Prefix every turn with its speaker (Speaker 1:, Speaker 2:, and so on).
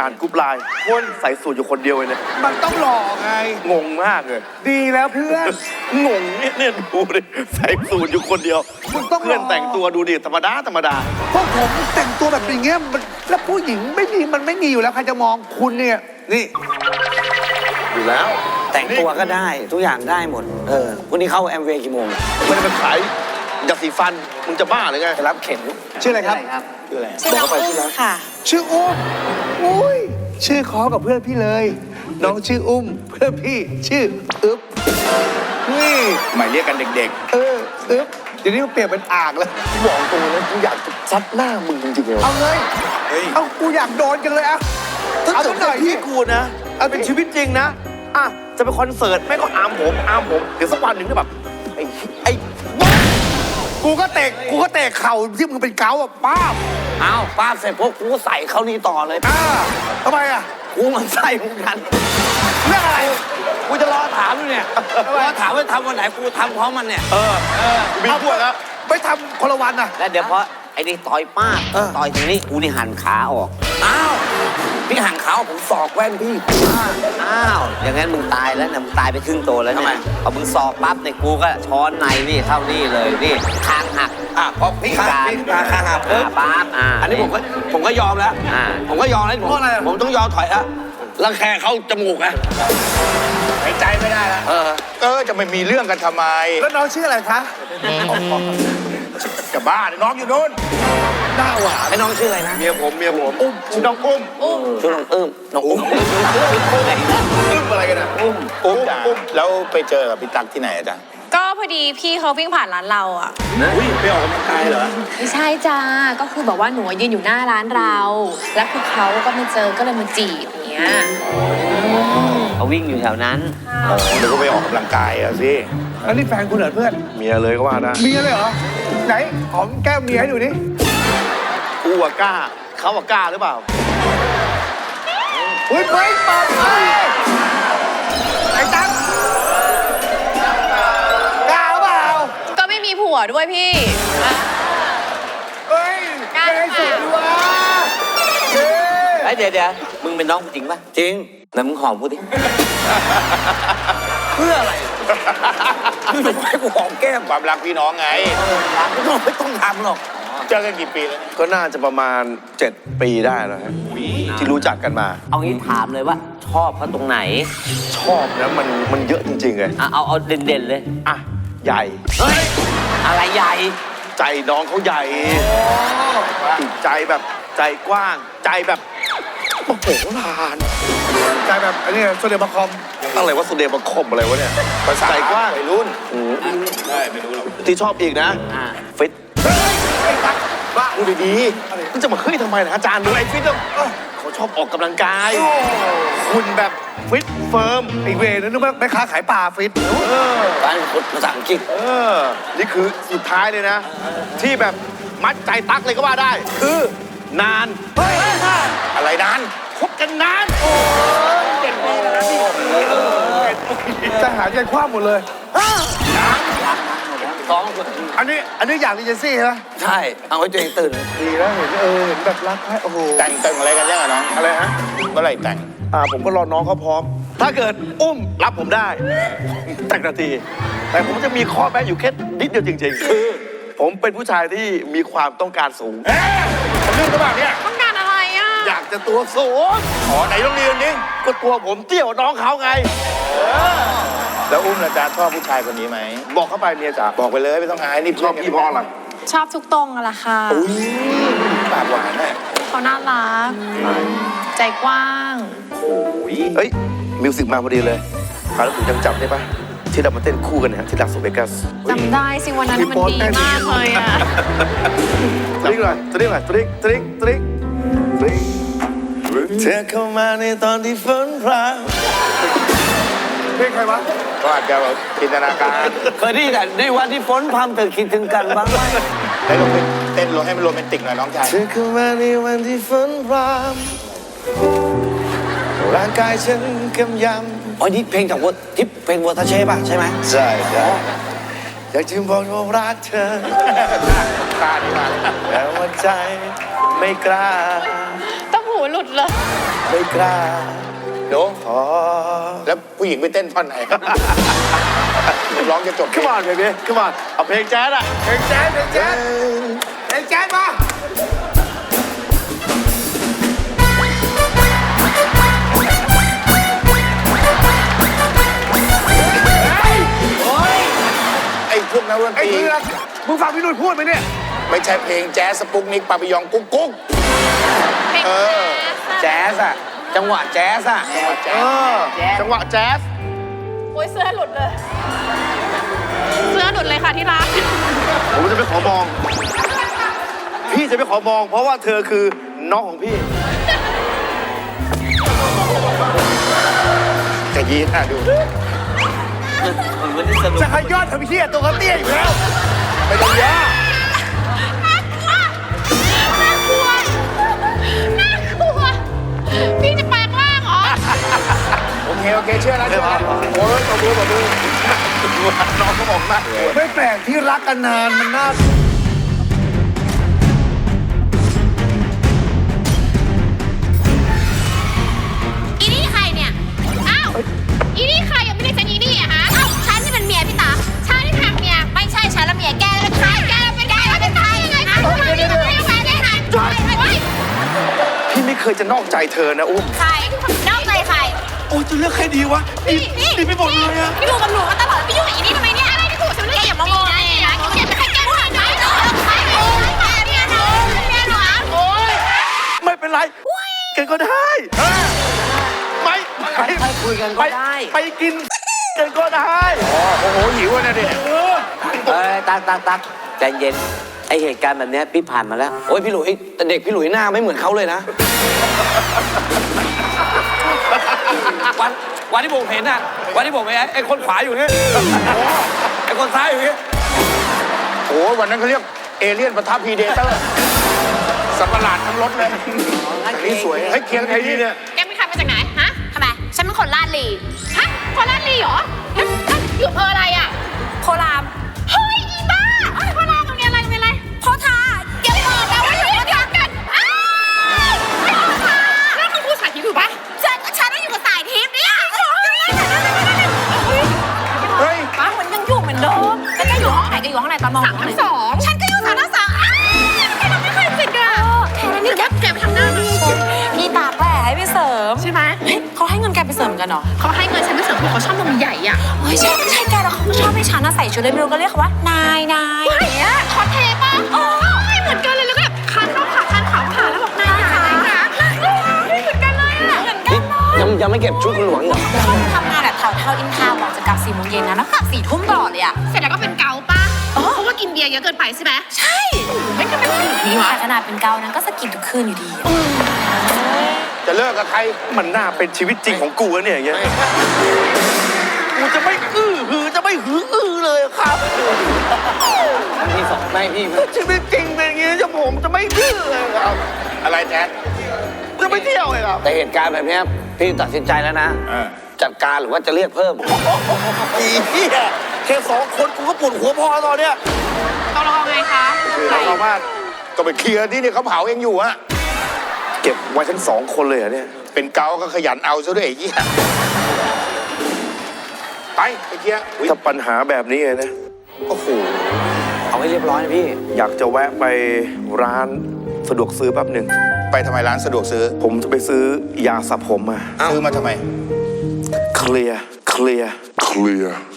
Speaker 1: อ่านกรุ๊ปไลน์คนใส่สูตรอยู่คนเดียวเลยเนี่ย
Speaker 2: มันต้องหล่อไง
Speaker 1: งงมากเลย
Speaker 2: ดีแล้วเพื่อน
Speaker 1: งงเนี่ยดูดิใส่สูตรอยู่คนเดียว
Speaker 2: มึงต้อง
Speaker 1: เพื่อนแต่งตัวดูดิธรรมดาธรรมดา
Speaker 2: พวกผมแต่งตัวแบบอย่างเงี้ยแล้วผู้หญิงไม่มีมันไม่มีอยู่แล้วใครจะมองคุณเนี่ยนี่
Speaker 1: อยู่แล้ว
Speaker 3: แต่งตัวก็ได้ทุกอย่างได้หมดวันนี้เข้าแอมเวย์กี่โมง
Speaker 1: มันจะมาขายยาสีฟันมึงจะบ้าหรือไง
Speaker 3: ไปรับเข็ม
Speaker 2: ชื่ออะไรครับ
Speaker 3: ชื่ออะไร
Speaker 4: ชื่อน้องอุ้มค่ะ
Speaker 2: ชื่ออุ้มอุ้ยชื่อคอกับเพื่อนพี่เลย น้องชื่ออุ้มเพื่อนพี่ชื่ออึ๊บนี่
Speaker 5: หมายเรียกกันเด็ก
Speaker 2: อึ๊บเดี๋ยวนี้มันเปลี่ยนเป็นอ่างแล้ว
Speaker 1: บอกตรงเลยกูอยากจะซัดหน้ามึงจริงๆเลย
Speaker 2: เอาเลย
Speaker 5: ๆ เฮ้ย
Speaker 2: เอากูอยากโดนกันเลยอะ
Speaker 1: ถ้า
Speaker 2: เอา
Speaker 1: เกิ
Speaker 2: สั
Speaker 1: ด
Speaker 2: กหน่อย
Speaker 1: พี่
Speaker 2: พี่
Speaker 1: กูนะเอาเป็นชีวิตจริงนะอ่ะจะไปคอนเสิร์ตไม่ก็อามผมเดี๋ยวสักวันหนึ่งก็แบบไอ้
Speaker 2: กูก็เตะเข่าที่มึงเป็นเกาอะป้าบ
Speaker 3: อ้าวป้าเสร็จปุ๊บกูก็ใส่เข้านี่ต่อเลย
Speaker 2: ทำไมอะ
Speaker 3: กูมันใส่เหมือนกัน
Speaker 2: เรื่องอะไร
Speaker 3: กูจะรอถามอยู่เนี่ยรอถามว่าทำวันไหนกูทำพร้อมมันเนี่ย
Speaker 1: มีพวกแล้ว
Speaker 2: ไปทำคนละวันอะ
Speaker 3: แล้วเดี๋ยวพอไอ้นี่ต่อยป้าต่อยทีนี้กูนี่หันขาออกอ้าวพี่หันขาออกผมสอกแว่นพี่อ้าวอย่างงั้นมึงตายแล้วนะมึงตายไปครึ่งตัวแล้วเนี่ยพอมึงสอกปั๊บเนี่ยกูก็ช้อนในนี่เข้านี่เลยนี่คางหัก
Speaker 5: เพราะพี่
Speaker 3: คางหักปุ๊บปั๊บ
Speaker 5: อันนี้ผมก็ยอมแล้ว ผมก็ยอมแล้วผมต้องยอมถอยแล้วรังแคเข้าจมูกอะหายใจไม่ได้แล้วจะไม่มีเรื่องกันทำไม
Speaker 2: แล้วน้องชื่ออะไรคะ
Speaker 5: จะบ้าน้องอยู่นู้น
Speaker 2: หน้าหวาน
Speaker 3: ไอ้น้องชื่ออะไรนะ
Speaker 1: เมียผมชื่อน้องอุ้ม
Speaker 3: ชื่อน้องน้องอุ้ม
Speaker 1: อุ้มอะไรกันอ่ะ
Speaker 5: อุ้มแล้วไปเจอกับพี่ตั๊กที่ไหนอะจ๊ะ
Speaker 4: ก็พอดีพี่เขาวิ่งผ่านร้านเราอ่ะ
Speaker 5: อุ้ยไปออกกำลังกายเหรอ
Speaker 4: ไม่ใช่จ้า ก็คือแบบว่าหนูยืนอยู่หน้าร้านเรา แล้วคือเขาก็มาเจอก็เลยมาจีบอย่างเงี้ย
Speaker 3: เขาวิ่งอยู่แถวนั้น
Speaker 5: เดี๋ยวก็ไปออกกำลังกายอะสิ
Speaker 2: อันนี้แฟนคุณเหรอเพื่อน
Speaker 1: เมียเลยก็ว่าได้
Speaker 2: เมียเลยเหรอ ไหนหอมแก้มเมียให้ดูดิ
Speaker 1: กูอะกล้าเขาอะกล้าหรือเปล่า
Speaker 2: อุ้ยไม่เปิดเลยไอ้ตั๊กกล้าเปล่า
Speaker 4: ก็ไม่มีผัวด้วยพี่อ่ะ
Speaker 2: เฮ้ย
Speaker 4: กล้าหรือเปล่า
Speaker 2: สุดวะเฮ้ย
Speaker 3: ไอ้เดี๋ยวมึงเป็นน้องกูจริงปะจริงไหนมึงหอมกูดิ เพื่ออะไรมึงไม่ให้กูหอมแก้ม
Speaker 5: ความรักพี่น้องไง
Speaker 3: ไม่ต้องทำหรอก
Speaker 5: เจอกันกี่ปีแล้ว
Speaker 1: ก็น่าจะประมาณ 7 ปีได้แล้วฮะที่รู้จักกันมา
Speaker 3: เอางี้ถามเลยว่าชอบเขาตรงไหน
Speaker 1: ชอบนะมันเยอะจริงๆเลย
Speaker 3: เอาเด่นๆเลย
Speaker 1: อ่ะใหญ่
Speaker 3: เฮ้ยอะไรใหญ่
Speaker 1: ใจน้องเขาใหญ่ใจแบบใจกว้าง ใจแบบโอ้โหลาน
Speaker 2: ใจแบบอันนี้โซเดียมคอม
Speaker 1: อะไรวะสุเดบังคมอะไรวะเนี่ย
Speaker 5: ภาษา
Speaker 1: ใจกว้าง
Speaker 5: วัยรุ่น
Speaker 1: ใช่ไม่รู้หรอกที่ชอบอีกนะฟิตบ้าดูดีๆมันจะมาขึ้นทำไมนะอาจารย์ดูไอ้ฟิตเขาชอบออกกำลังกายคุณแบบฟิตเฟิร์ม
Speaker 2: ไอเวนึกว่าแม่ค้าขายปลาฟิต
Speaker 3: บ้านคนภาษาอังกฤษ
Speaker 1: นี่คือสุดท้ายเลยนะ ที่แบบมัดใจตักเลยก็ว่าได้ คือนาน
Speaker 5: อะไรนั้น
Speaker 1: คบกันนาน
Speaker 2: จะหาใจคว้าหมดเลย
Speaker 3: ท้อง
Speaker 2: อันนี้อยากรีเจนซี่ใช่ไหม
Speaker 3: ใช่เอาไว้ตัวเองตื่น
Speaker 2: ดีแล้วเห็นเห็นแบบรักให้โอ้โห
Speaker 5: แต่งเติงอะไรกันยังอะน้อง
Speaker 1: อะไรฮะ
Speaker 5: เมื่อไหร่แต่ง
Speaker 1: ผมก็รอน้องเขาพร้อม ถ้าเกิดอุ้มรับผมได้ แต่งนาที แต่ผมจะมีข้อแม้อยู่แค่นิดเดียวจริงๆ คือ ผมเป็นผู้ชายที่มีความต้องการสูง
Speaker 5: เรื่องกระบะเนี่ย
Speaker 4: ต้องการอะไรอ่ะ
Speaker 1: อยากจะตัวสูง
Speaker 5: ไหนต้องเรียนดิ
Speaker 1: ก็ตัวผมเตี้ยกว่าน้องเขาไง
Speaker 5: แล้วอุ้มละจ๊ะชอบผู้ชายคนนี้ไหม
Speaker 1: บอกเข้าไปเมียจ๋า
Speaker 5: บอกไปเลยไม่ต้องอายนี่
Speaker 1: ชอบพี่เพราะอะไร
Speaker 4: ชอบทุกตรงอะล่ะค่ะ
Speaker 5: ปากหวานแน่
Speaker 4: เขาน่ารัก ใจกว้าง
Speaker 1: เฮ้ย มิวสิกมาพอดีเลยคราวแล้วผมยังจำได้ปะที่เรามาเต้นคู่กันเนี่ยที่ลาสเวกัส
Speaker 4: จำได้สิวันนั้นมันดีมากเลยอ่ะ
Speaker 1: ตริ๊กหน่อยตริ๊กหน่อยตริ๊กตริ๊กตริ๊กตริ๊กเธอเข้ามาในตอนที่ฝนพราง
Speaker 2: เพลงใครวะ
Speaker 5: ก็อาจจะแบบจินตนาการ
Speaker 3: เคยได้แต่ในวันที่ฝนพรำเธอคิดถึงกันบ้างไหม
Speaker 5: ได้ลงไปเต้นลงให้มันโรแมนติกหน่อยน้องชาย
Speaker 1: เธอเข้ามาในวันที่ฝนพรางร่างกายฉันกำย
Speaker 3: อ๋อนี่เพลงจากที่เพลงวอเตอร์เช่ป่ะใช่ไหม
Speaker 1: ำใช่ครับอยากจะบอกว่ารักเธอ
Speaker 5: ตาดีมาก
Speaker 1: แต่ว่าใจไม่กล้า
Speaker 4: ต้องหูหลุดเลย
Speaker 1: เ
Speaker 2: ไม่กล้า
Speaker 5: หนู
Speaker 2: ขอ
Speaker 5: แล้วผู้หญิงไปเต้นท่อนไหน ร้องจะจบ
Speaker 1: Come on baby Come on เอาเพลงแจ๊สอะ
Speaker 5: เพลงแจ๊สเพลงแจ๊สเพลงแจ๊สมาไอ้พวกนักดนตรี
Speaker 1: มึงฟังพี่นุ่นพูดไหมเนี่ย
Speaker 5: ไม่ใช่เพลงแจ๊สสปุกนิกปาปิยองกุ๊กกุ๊ก
Speaker 4: เพลง
Speaker 3: แจ๊สอะจังหวะแจ๊สอะ
Speaker 1: จังหวะแจ๊ส
Speaker 4: โอ้ยเสื้อหลุดเลย เสื้อหลุดเลยค่ะที่รัก
Speaker 1: ผมจะไม่ขอมอง พี่จะไม่ขอมอง เพราะว่าเธอคือน้องของพี่
Speaker 5: จะยีน่าดู
Speaker 1: จะขยอดทำเพี้ยตัวเขาเตี้ยอยู่แล้ว
Speaker 5: ไม่ต้องย่า
Speaker 4: น่ากลัว น่ากลัว พี่จะแปลงร่างเหรอ
Speaker 5: โอเคเชื่อแล้วเชื่อแล้วโอ้ยตบมือ
Speaker 1: น้องเขาบอกมาก
Speaker 2: ไม่แปลกที่รักกันนานมันน่า
Speaker 4: อีนี่ใครเนี่ย อ้าว อีนี่ใครยังไม่ได้ฉันอีนี่อะฮะอ้าวฉันนี่มันเมียพี่ตาฉันนี่ทางเมีย ไม่ใช่ฉันละเมียแกเป็นใครแกเป็นใครเป็นใครยังไงคะเดี๋ยวแฟนได้ไงจอยไว้
Speaker 1: พี่ไม่เคยจะนอกใจเธอนะอุ้ม
Speaker 4: ใครนอกใจใคร
Speaker 1: โอ้จะเลือกใครดีวะดีไปหมดเลยอะ
Speaker 4: พี่ดูกับหนูมาตลอดพี่ยุ่งกับอีนี่ทำไมเนี่ยอะไรที่ถูกฉันไม่ได้อย่ามามองนะอย่าไปใครแกพูดอะไรนะใครโอ้ยแกเนี่ยนะเนี่ยหนูโอ้ย
Speaker 1: ไม่เป็นไรกันก็ได้ไม่ไปคุยกันก็ได้ ไปกินกันก็ได้
Speaker 5: โอ้โหหิวนะเด็ก
Speaker 3: ตักใจเย็นไอเหตุการณ์แบบเนี้ยพี่ผ่านมาแล้ว โอ้ยพี่หลุยแต่เด็กพี่หลุยหน้าไม่เหมือนเขาเลยนะ วันที่ผมเห็นน่ะวันที่ผมเห็นไอ้คนขวาอยู่นี่ไอ้คนซ้ายอยู่นี่
Speaker 5: โอ้ยวันนั้นเขาเรียกเอเลี่ยนปะทะพีเดเตอร์สัตว์ประหลาดทั้งรถเลยนี่สวยให้เคียงไทยนี่เนี่ย
Speaker 4: แกเป็นใครมาจากไหนฮะทำไมฉันเป็นคนลาดลีฮะคนลาดลีเหรอแล้วอยู่อำเภออะไรอ่ะโครามเฮ้ยอีบ้าโครามตรงนี้อะไรโพธาเก็บบอกนะว่าอยู่โพธากันอ้าวโพธาแล้วคุณครูสายทิพย์อยู่ปะฉันได้อยู่กับสายทิพย์เนี่ย
Speaker 5: เฮ้ย
Speaker 4: ป้าเหมือนยังอยู่เหมือนเดิมแล้วแกอยู่ห้องไหนแกอยู่ห้องไหนตอนม.2ฉันก็อยู่3/2แกทำไม่เคยสิกอะแค่นั้นนี่แกไปทำหน้าดีพี่ตาแผลให้ไปเสริมใช่ไหมเขาให้เงินแกไปเสริมกันเหรอเขาให้เงินฉันไปเสริมเพราะเขาชอบนมใหญ่อะเฮ้ยใช่แกแล้วเขาก็ชอบให้ฉันใส่ชุดเลยไม่รู้ก็เรียกเขาว่านายเนี่ยคอสเพลย์ป่ะโอ้ยเหมือนกันเลยแล้วก็แบบคันขาวขาแล้วบอกนายขาเหมือนกันเลยอะเหมือนกันเลย
Speaker 3: ยังไม่เก็บชุดคุณหลวงอีกเหรอ
Speaker 6: ทำงานแบบเท่าอินทาวน์จะกลับ4 โมงเย็นนะแล้วกลับ4 ทุ่มตลอดเลยอ่ะ
Speaker 4: เสร็จแล้วก็เป็นเกาป่ะเพราะว่ากินเบียร์เยอะเกินไปใช่ไหมใช่ไม่ก็เป็นแบบนี้วะ
Speaker 6: แต่ขนาดเป็นเกานั้นก็สกินทุกคืนอยู่ดี
Speaker 5: จะเลิกกับใคร
Speaker 1: มันน่าเป็นชีวิตจริงของกูนะเนี่ยอย่างเงี้ยกูจะไม่หือจะไม่เลยครับ
Speaker 3: พี่สองไม่พี่
Speaker 1: ชีวิตจริงเป็นอย่างงี้ผมจะไม่เลยครับ
Speaker 5: อะไรแจ๊ด
Speaker 1: จะไม่เที่ยวเลยครับ
Speaker 3: แต่เหตุการณ์แบบเนี้ยพี่ตัดสินใจแล้วนะ จัดการหรือว่าจะเรียกเพิ่ม
Speaker 1: อีเหี้ยแค่2 คนกูก็ปวดหัวพอตอนเนี้ย
Speaker 4: ต้องรอไงคะ
Speaker 5: คือเราสามารถก็ไปเคลียร์ที่เนี่ยเขาเผาเองอยู่อะ
Speaker 1: เก็บไว้ทั้ง2 คนเลยเหรอเนี่ย
Speaker 5: เป็นเกาก็ขยันเอาซะด้วยไอ้เหี้ยไปเคลียร์อุ๊ย
Speaker 1: ถ้าปัญหาแบบนี้นะ
Speaker 5: โอ้โห
Speaker 3: เอาให้เรียบร้อยนะพี่
Speaker 1: อยากจะแวะไปร้านสะดวกซื้อแป๊บหนึ่ง
Speaker 5: ไปทำไมร้านสะดวกซื้อ
Speaker 1: ผมจะไปซื้อยาสระผมมา
Speaker 5: ซื้อมาทำไม
Speaker 1: เคลียร์